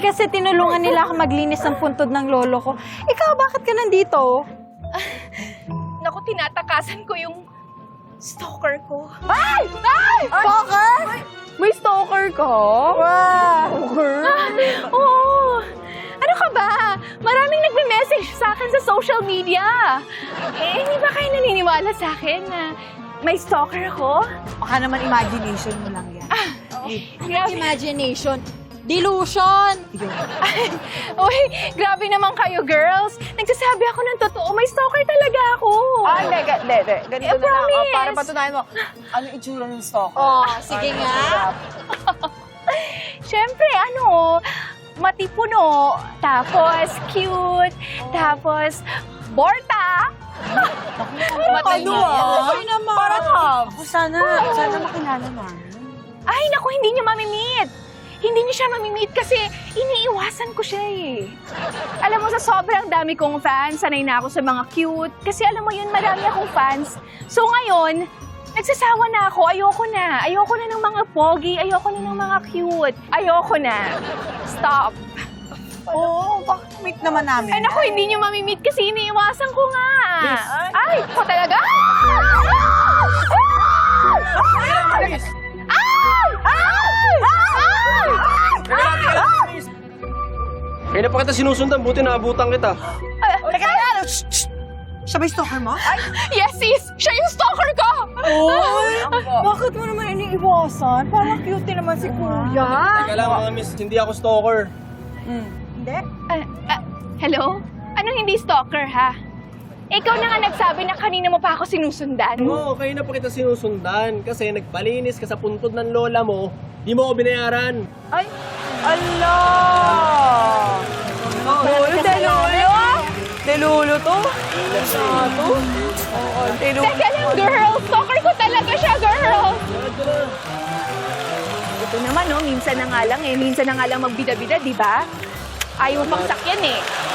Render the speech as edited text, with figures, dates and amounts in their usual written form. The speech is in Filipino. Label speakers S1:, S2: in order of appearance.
S1: kasi tinulungan nila ako maglinis ng puntod ng lolo ko. Ikaw, bakit ka nandito?
S2: Naku, tinatakasan ko yung stalker ko.
S1: Ay! Ay! Stalker?
S2: May stalker ko?
S1: Wow!
S2: Oo. Ano ka ba? Maraming nagme-message sa akin sa social media. Eh, hindi ba kayo naniniwala sa akin na may stalker ako?
S1: Baka naman imagination mo lang yan.
S2: Grabe.
S1: Imagination. Delusion!
S2: Uy, grabe naman kayo, girls. Nagsasabi ako ng totoo. May stalker talaga ako.
S3: Hindi. Ganito na lang.
S2: promise.
S3: Para patunayan mo, ano itsura ng stalker?
S1: Oh, sige nga.
S2: Siyempre, matipuno, tapos cute, tapos borta.
S3: Ano ah?
S1: Okay naman.
S3: Parang ako sana makilala namin.
S2: Ay, naku, hindi niyo mamimit. Hindi niyo siya mamimit kasi iniiwasan ko siya eh. Alam mo, sa sobrang dami kong fans, sanay na ako sa mga cute. Kasi alam mo yun, marami akong fans. So ngayon, nagsasawa na ako. Ayoko na. Ayoko na ng mga pogi. Ayoko na ng mga cute. Ayoko na. Stop.
S3: Oo, bakit meet naman namin?
S2: Ay, naku, hindi niyo mamimit kasi iniiwasan ko nga. Ay, ko talaga?
S4: Kaya na pa kita sinusundan, buti naabutan kita.
S3: Teka lang! Siya ba yung stalker mo? Ay!
S2: Yes, sis! Siya yung stalker ko!
S3: Bakit mo naman iniiwasan? Parang cute din naman si Kuya.
S4: Teka lang mga miss, hindi ako stalker.
S3: Hindi?
S2: Hello? Anong hindi stalker, ha? Ikaw na nga nagsabi na kanina mo pa ako sinusundan.
S4: Oo, kaya na pa kita sinusundan kasi nagpalinis ka sa puntod ng lola mo, di mo ako binayaran.
S3: Ay! Allah! Delulo! Delulo to? Oo, delulo.
S2: Teka lang, girl! Stalker ko talaga siya, girl! Ito naman, no? Minsan na nga lang eh. Minsan na nga lang magbida-bida, di ba? Ayaw mo pang sakyan eh.